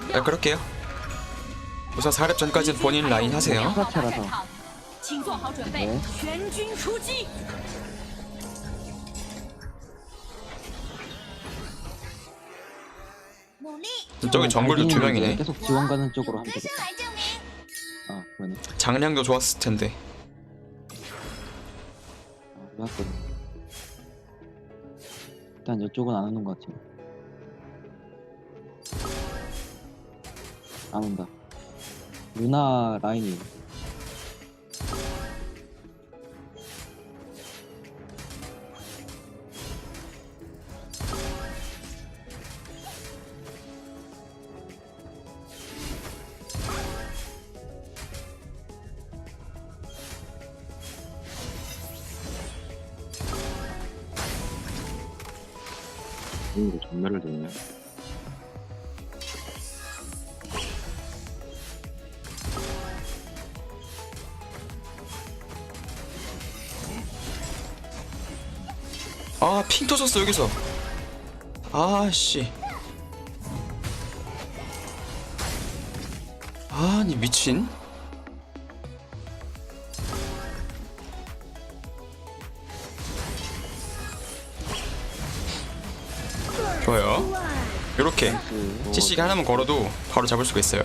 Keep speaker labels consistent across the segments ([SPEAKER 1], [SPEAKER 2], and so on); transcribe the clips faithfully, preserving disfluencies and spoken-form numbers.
[SPEAKER 1] 네, 그럴게요. 우선 사 렙 전까지는 본인 라인 하세요.
[SPEAKER 2] 후사차라서.
[SPEAKER 3] 请做好准备，
[SPEAKER 2] 네.
[SPEAKER 3] 全军出击！
[SPEAKER 1] 저기 정글도 두 명이네.
[SPEAKER 2] 계속 지원 가는 쪽으로 하면 되겠다.
[SPEAKER 3] 来证明。
[SPEAKER 2] 아, 그러네.
[SPEAKER 1] 장량도 좋았을 텐데.
[SPEAKER 2] 아, 좋았거든. 일단 이쪽은 안 오는 것 같아요. 안 온다. 루나 라인이.
[SPEAKER 4] 이거 전멸을 듣네.
[SPEAKER 1] 아, 핑 터졌어 여기서. 아씨. 아니 미친. 좋아요. 요렇게
[SPEAKER 2] 그,
[SPEAKER 1] 씨씨기 하나만 걸어도 바로 잡을 수가 있어요.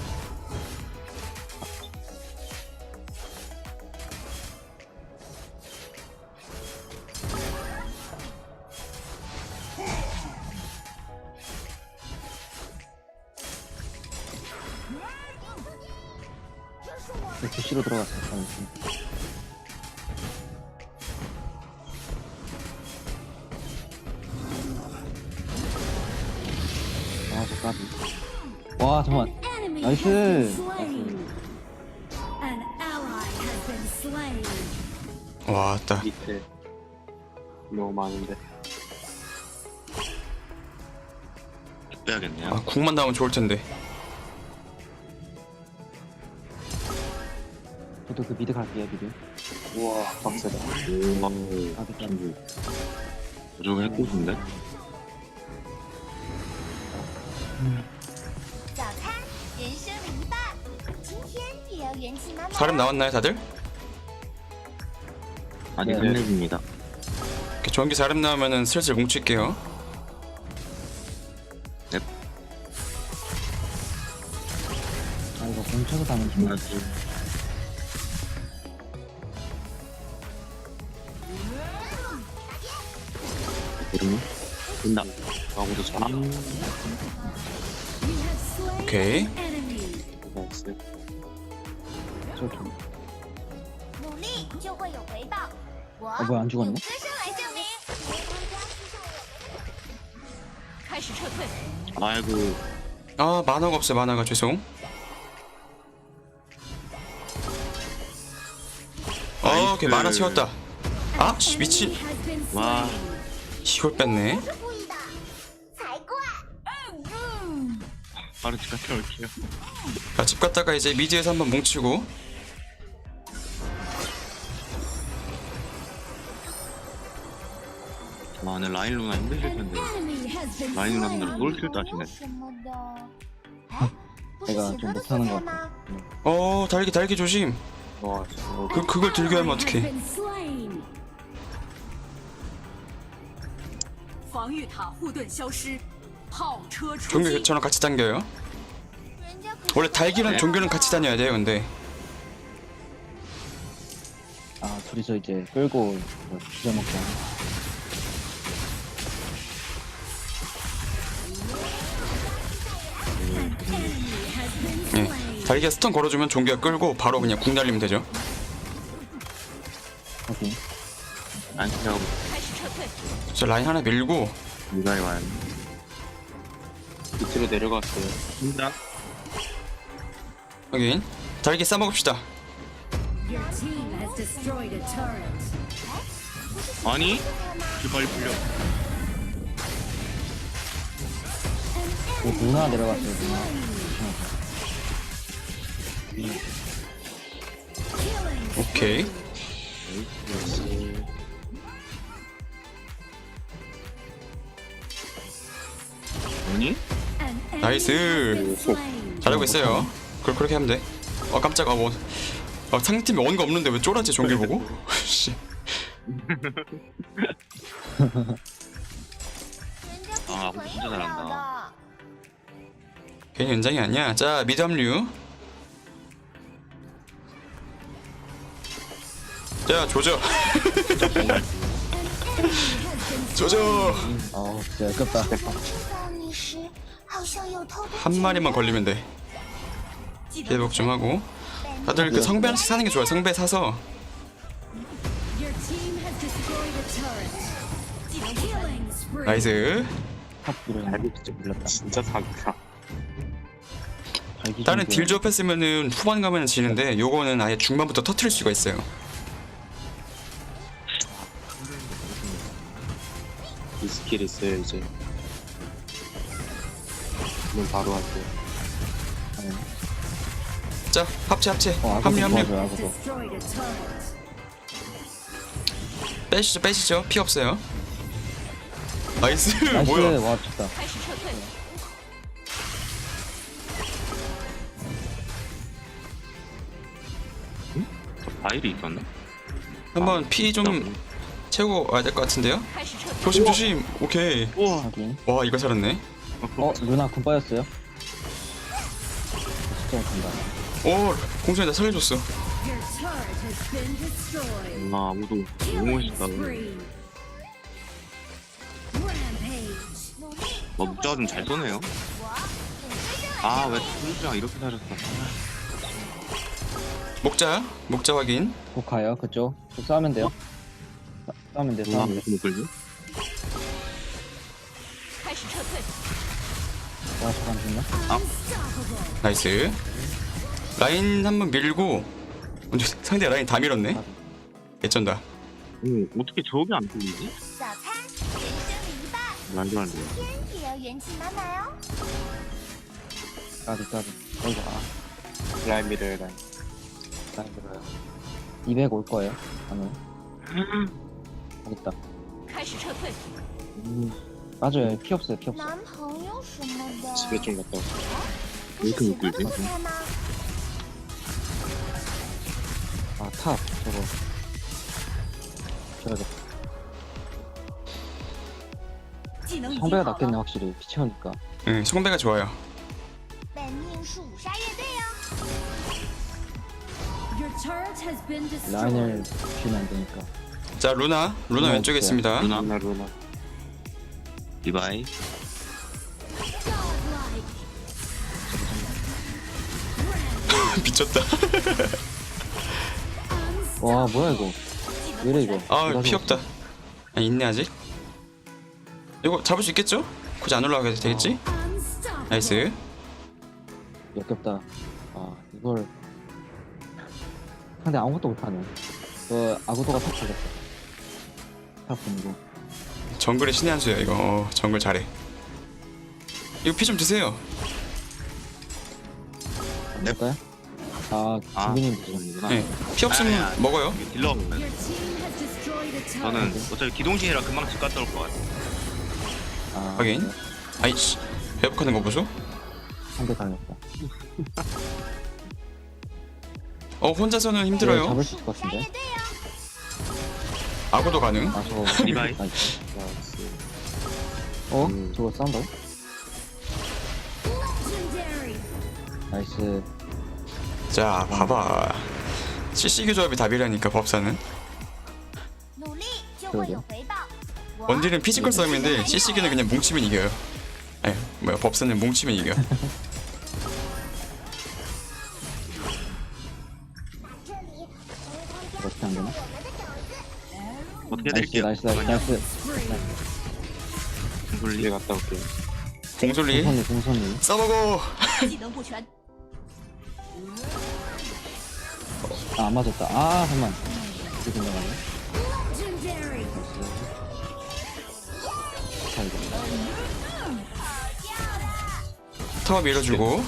[SPEAKER 2] 부시로 들어갔어. 아, 저 까비. 와, 잠깐만.
[SPEAKER 3] Enemy
[SPEAKER 2] 나이스.
[SPEAKER 3] has been
[SPEAKER 2] 나이스.
[SPEAKER 3] slain. An ally has been slain.
[SPEAKER 1] 와, 딱
[SPEAKER 4] 밑에 너무 많은데. 빼야겠네요.
[SPEAKER 1] 아, 궁만 나오면 좋을 텐데.
[SPEAKER 2] 저도 그 미드 갈게요, 미드.
[SPEAKER 4] 우와, 빡세다. 오,
[SPEAKER 2] 아, 그
[SPEAKER 4] 저거 해코스인데?
[SPEAKER 5] 早餐，人生的一半。今天也要元气满满。
[SPEAKER 1] 사람 나왔나요 다들?
[SPEAKER 4] 아직
[SPEAKER 2] 네.
[SPEAKER 4] 한 렙입니다.
[SPEAKER 1] 이렇게 전기 사람 나오면은 슬슬 뭉칠게요.
[SPEAKER 2] 아, 이거 공쳐서 가면 좀.
[SPEAKER 4] 아직 모르나? 된다. 아무도 잘
[SPEAKER 3] You have slain
[SPEAKER 1] 오케이.
[SPEAKER 3] an enemy.
[SPEAKER 4] 나이스.
[SPEAKER 2] 저 좀.
[SPEAKER 5] 努力就会有回报。我
[SPEAKER 2] 어, 뭐야, 안
[SPEAKER 5] 用
[SPEAKER 2] 죽었네?
[SPEAKER 5] 歌声来证明。
[SPEAKER 3] 开始撤退。
[SPEAKER 4] 아이고,
[SPEAKER 1] 아, 만화가 없어요. 만화가 죄송. 어, 오케이 만화 채웠다. 아, 씨, 미친.
[SPEAKER 3] Enemy has been
[SPEAKER 4] 와,
[SPEAKER 3] slain.
[SPEAKER 1] 이걸 뺐네.
[SPEAKER 5] 是故意的，才怪！
[SPEAKER 4] 바로 집 갔다 올게요.
[SPEAKER 1] 자, 집 갔다가 이제 미드에서 한번 뭉치고.
[SPEAKER 4] 와, 오늘 라인 루나 힘드실
[SPEAKER 3] An
[SPEAKER 4] 텐데.
[SPEAKER 3] enemy has been
[SPEAKER 4] 라인 루나분들
[SPEAKER 3] slain.
[SPEAKER 4] 롤킬 따시네.
[SPEAKER 5] 什么的。哎，不是
[SPEAKER 2] 내가
[SPEAKER 5] 喜
[SPEAKER 2] 좀
[SPEAKER 5] 哥的
[SPEAKER 2] 못하는
[SPEAKER 5] 素
[SPEAKER 2] 것
[SPEAKER 5] 材
[SPEAKER 2] 같아.
[SPEAKER 5] 吗？
[SPEAKER 1] 어, 달기 달기 조심.
[SPEAKER 4] 와, 진짜.
[SPEAKER 1] 그 그걸 들게 하면
[SPEAKER 3] Ally has
[SPEAKER 1] 어떡해.
[SPEAKER 3] been slain. 防御塔护盾消失，炮车出
[SPEAKER 1] 종교
[SPEAKER 3] 击。
[SPEAKER 1] 교체랑 같이 당겨요.
[SPEAKER 5] 人家可是
[SPEAKER 1] 원래 달기랑 종교는 같이 다녀야 돼요. 근데
[SPEAKER 2] 아, 둘이서 이제 끌고 뭐 뒤져먹자.
[SPEAKER 1] 예, 달기가 스턴 걸어주면 종교가 끌고 바로 그냥 궁 날리면 되죠.
[SPEAKER 2] 오케이.
[SPEAKER 4] 안 시작하고
[SPEAKER 3] 开始撤退。
[SPEAKER 1] 저 라인 하나 밀고
[SPEAKER 4] 미가에 와야 돼. 밑으로 내려갔어요. 힘들어?
[SPEAKER 1] 여긴 달기 싸먹읍시다.
[SPEAKER 3] Your team has destroyed a turret.
[SPEAKER 4] 아니? 빨리 풀려.
[SPEAKER 2] 그 누나 내려갔어요, 누나.
[SPEAKER 1] 오케이.
[SPEAKER 4] 아니?
[SPEAKER 3] An
[SPEAKER 1] 나이스. 잘하고 있어요. 그걸 그렇게 하면 돼. 어 깜짝아 뭐. 어, 상대팀이 원가 없는데 왜 쫄았지 종길 보고? 씨.
[SPEAKER 4] 아, 아구 진짜 잘한다.
[SPEAKER 1] 괜히 연장이 아니야. 자 미드 합류. 자 조져. 조져.
[SPEAKER 2] 아우 진짜 아깝다.
[SPEAKER 1] 한 마리만 걸리면 돼. 회복 좀 하고. 다들 그 성배 하나씩 사는 게 좋아요. 성배 사서. 나이스.
[SPEAKER 2] 탑 이런
[SPEAKER 4] 발기 진짜 밀렸다. 진짜 사기다.
[SPEAKER 2] 발기
[SPEAKER 1] 다른
[SPEAKER 2] 좀
[SPEAKER 1] 딜 조합했으면은 후반 가면 지는데 요거는 아예 중반부터 터트릴 수가 있어요.
[SPEAKER 4] 이 스킬 있어요 이제. 그럼 바로 할게요.
[SPEAKER 1] 자 합체 합체.
[SPEAKER 2] 어,
[SPEAKER 1] 합류
[SPEAKER 2] 아구도
[SPEAKER 1] 합류.
[SPEAKER 2] 도와줘요, 아구도.
[SPEAKER 1] 빼시죠 빼시죠. 피 없어요. 나이스.
[SPEAKER 2] 나이스.
[SPEAKER 1] 뭐야?
[SPEAKER 2] 와 좋다.
[SPEAKER 4] 바일이 있었나?
[SPEAKER 1] 한번 피 좀 채우고 와야 될 것 같은데요? 조심 조심. 오케이.
[SPEAKER 4] 우와.
[SPEAKER 2] 확인.
[SPEAKER 1] 와 이거 살았네.
[SPEAKER 2] 어 루나 군 빠졌어요. 진짜 못한다.
[SPEAKER 1] 오 공선이 나 살려줬어.
[SPEAKER 4] 아, 아무도 너무 멋있다. 와, 묵자가 좀 잘 쏘네요. 아, 왜 묵자가 이렇게 잘했어?
[SPEAKER 1] 목자 목자 확인.
[SPEAKER 2] 곧 가요 그쪽. 곧 싸우면 돼요. 싸- 싸우면 돼.
[SPEAKER 4] 와,
[SPEAKER 2] 싸우면
[SPEAKER 4] 왜
[SPEAKER 2] 돼.
[SPEAKER 4] 이렇게 못 걸지?
[SPEAKER 2] 와 잠깐 죽나?
[SPEAKER 1] 나이스. 라인 한번 밀고. 근데 상대 라인 다 밀었네. 개쩐다.
[SPEAKER 4] 오, 어떻게 저게 안 뚫리지?
[SPEAKER 5] 早餐，人生一半，
[SPEAKER 4] 말도 안 돼.
[SPEAKER 5] 天也要元气满满哦。
[SPEAKER 2] 까비 까비. 어이구 아.
[SPEAKER 4] 라인 미래 라인.
[SPEAKER 2] 라인 들어요. 이백 올 거예요. 방금. 여기 있다. 음, 맞아요. 피 없어요. 피 없어.
[SPEAKER 5] 男朋友什么的，
[SPEAKER 4] 집에 좀 갔다 올게.
[SPEAKER 5] 他
[SPEAKER 4] 왜
[SPEAKER 5] 是
[SPEAKER 4] 이렇게
[SPEAKER 5] 喜
[SPEAKER 4] 못
[SPEAKER 5] 欢
[SPEAKER 4] 끌지?
[SPEAKER 5] 做菜吗？
[SPEAKER 2] 아 탑 저거. 줘야겠다.
[SPEAKER 3] 技能已经
[SPEAKER 2] 성배가
[SPEAKER 3] 好
[SPEAKER 2] 낫겠네
[SPEAKER 3] 了，
[SPEAKER 2] 확실히. 피 채우니까.
[SPEAKER 1] 응 성배가 좋아요.
[SPEAKER 5] 本命是五杀乐队哦。
[SPEAKER 3] Your turret has been
[SPEAKER 2] 라인을
[SPEAKER 3] destroyed.
[SPEAKER 2] 주면 안 되니까.
[SPEAKER 1] 자 루나 루나
[SPEAKER 2] 루나
[SPEAKER 1] 왼쪽에
[SPEAKER 2] 없어요.
[SPEAKER 1] 있습니다.
[SPEAKER 4] 루나, 루나, 루나. 리바이.
[SPEAKER 1] 미쳤다.
[SPEAKER 2] 와 뭐야 이거. 왜래 이거.
[SPEAKER 1] 아
[SPEAKER 2] 누가
[SPEAKER 1] 피
[SPEAKER 2] 죽었어?
[SPEAKER 1] 없다. 아, 있네 아직. 이거 잡을 수 있겠죠? 굳이 안 올라가도 되겠지? 나이스.
[SPEAKER 2] 역겹다. 아 이걸 근데 아무것도 못하네. 그 아구도가 탑 걸렸어. 탑 분고.
[SPEAKER 1] 정글의 신의 한 수야 이거. 어, 정글 잘해. 이거 피 좀 드세요.
[SPEAKER 2] 볼까요? 아
[SPEAKER 4] 아,
[SPEAKER 2] 준비님 드죠.
[SPEAKER 4] 이구나.
[SPEAKER 1] 네. 피 없으면
[SPEAKER 4] 아니, 아니.
[SPEAKER 1] 먹어요.
[SPEAKER 4] 딜러 먹는.
[SPEAKER 3] Your team has destroyed a turret.
[SPEAKER 4] 저는 어차피 기동신이라 금방 집 갔다 올 것 같아.
[SPEAKER 2] 아
[SPEAKER 1] 확인.
[SPEAKER 2] 네.
[SPEAKER 1] 아이씨 회복하는 거 보소.
[SPEAKER 2] 상대 당했다.
[SPEAKER 1] 어 혼자서는
[SPEAKER 2] 네,
[SPEAKER 1] 힘들어요.
[SPEAKER 2] 잡을 수 있을 것
[SPEAKER 5] 杀
[SPEAKER 2] 같은데.
[SPEAKER 5] 乐队哦。
[SPEAKER 1] 아구도 가능.
[SPEAKER 2] 아 저거
[SPEAKER 4] 리바이.
[SPEAKER 2] 나이스. 어?
[SPEAKER 4] 음.
[SPEAKER 2] 저거 싸운다고?
[SPEAKER 3] Legendary.
[SPEAKER 2] 나이스.
[SPEAKER 1] 자 봐봐. 씨씨기 조합이 답이라니까 법사는.
[SPEAKER 5] 努力就会有回报。我
[SPEAKER 1] 원딜은 피지컬 싸움인데 씨씨기는 그냥 뭉치면 이겨요. 아니 뭐야 법사는 뭉치면 이겨.
[SPEAKER 5] 这里，
[SPEAKER 2] 어떻게 안 되나?
[SPEAKER 4] 어떻게
[SPEAKER 2] 나이스
[SPEAKER 4] 해드릴게요?
[SPEAKER 2] 나이스 나이스 나이스.
[SPEAKER 4] 물리 갔다 올게요.
[SPEAKER 1] 공솔리
[SPEAKER 2] 공선이 공선이.
[SPEAKER 1] 써보고.
[SPEAKER 3] 技能不全，
[SPEAKER 2] 아안 맞았다. 아 잠만. 이렇게 나가네.
[SPEAKER 3] legendary.
[SPEAKER 2] 자 이거.
[SPEAKER 1] 타워 밀어주고.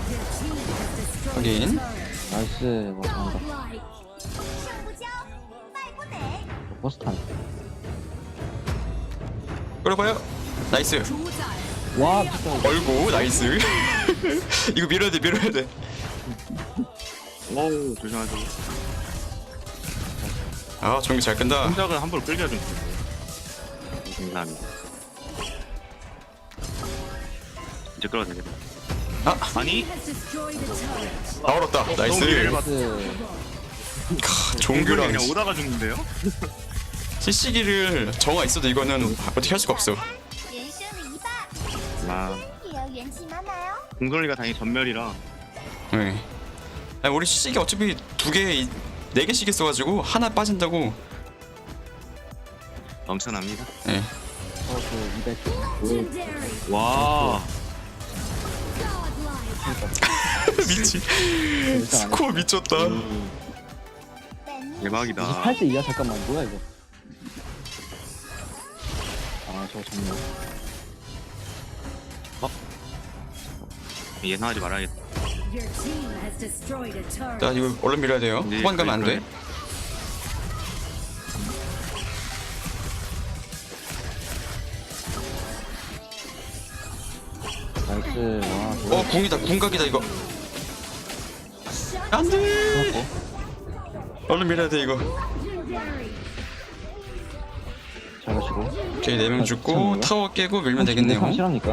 [SPEAKER 1] 확인.
[SPEAKER 2] 나이스. 와 잘한다.
[SPEAKER 3] Like
[SPEAKER 5] 胜不骄，败不馁。
[SPEAKER 2] 버스 타네.
[SPEAKER 1] 끌어봐요. 나이스.
[SPEAKER 3] 主宰
[SPEAKER 2] 와 미쳤다.
[SPEAKER 1] 얼고 나이스. 이거 밀어야 돼 밀어야 돼.
[SPEAKER 4] 오 조심하죠.
[SPEAKER 1] 아 종기 잘 끈다.
[SPEAKER 4] 동작을 함부로 끌게 좀 감사합니다. 이제 끌어도 되겠다.
[SPEAKER 1] 아
[SPEAKER 4] 아니
[SPEAKER 1] 다 얼었다. 나이스.
[SPEAKER 2] 나이스.
[SPEAKER 1] 종규랑
[SPEAKER 4] 그냥 오다가 죽는데요?
[SPEAKER 1] 씨씨기를 정화 있어도 이거는 어떻게 할 수가 없어.
[SPEAKER 5] 人生的一半，
[SPEAKER 4] 아
[SPEAKER 5] 也要元气满满哦。
[SPEAKER 4] 공돌리가 다행히 전멸이라
[SPEAKER 1] 네. 아니, 우리 씨씨기 어차피 두 개, 네 개씩 있어가지고 하나 빠진다고.
[SPEAKER 4] 넘쳐납니다.
[SPEAKER 1] 네.
[SPEAKER 2] 어그 이백.
[SPEAKER 4] 와
[SPEAKER 1] 미치. 스코어 미쳤다.
[SPEAKER 5] 本命
[SPEAKER 4] 대박이다.
[SPEAKER 2] 이십팔 대 이야 잠깐만 뭐야 이거. 아 저거 정말.
[SPEAKER 4] 예상하지 말아야겠다.
[SPEAKER 1] 나 이거 얼른 밀어야 돼요.
[SPEAKER 4] 네,
[SPEAKER 1] 후반 가면 안 돼.
[SPEAKER 2] 나이스. 와
[SPEAKER 1] 어
[SPEAKER 2] 뭐야.
[SPEAKER 1] 궁이다 궁각이다 이거. 안 돼.
[SPEAKER 2] 좋았고.
[SPEAKER 1] 얼른 밀어야 돼 이거.
[SPEAKER 2] 잘하시고.
[SPEAKER 1] 오케이 네 명 죽고
[SPEAKER 2] 괜찮아요?
[SPEAKER 1] 타워 깨고 밀면 되겠네요.
[SPEAKER 2] 확실합니까?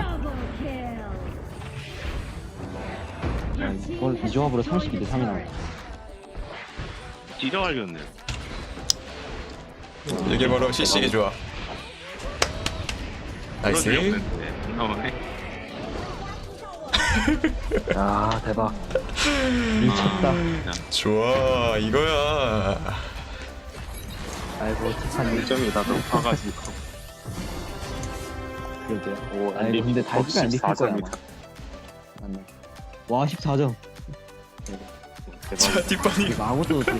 [SPEAKER 2] 아, 이걸 이 조합으로 삼십이 대 삼이 나와.
[SPEAKER 4] 찢어갈렸네요.
[SPEAKER 1] 이게 바로 씨씨기 조합. 나이스.
[SPEAKER 4] 나오네.
[SPEAKER 2] 아 대박. 미쳤다.
[SPEAKER 1] 좋아 이거야.
[SPEAKER 2] 아이고 티파니.
[SPEAKER 6] 일점이 나도 높아가지고
[SPEAKER 2] 그러게.
[SPEAKER 6] 오
[SPEAKER 2] 아이고 근데 달빛이 안 비킬 거야 아마. 맞네. 와 십사 점.
[SPEAKER 1] 자 뒷판이.
[SPEAKER 2] 이거 아무도 또.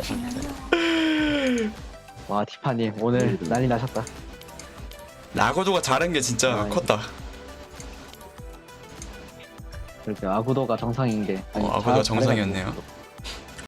[SPEAKER 2] 와 티파님 오늘 난리 나셨다.
[SPEAKER 1] 라고도가 잘한 게 진짜
[SPEAKER 2] 아,
[SPEAKER 1] 컸다.
[SPEAKER 2] 그렇게 아구도가 정상인 게. 아니,
[SPEAKER 1] 어, 아고도가
[SPEAKER 2] 잘-
[SPEAKER 1] 정상이었네요.
[SPEAKER 2] 잘해가지고.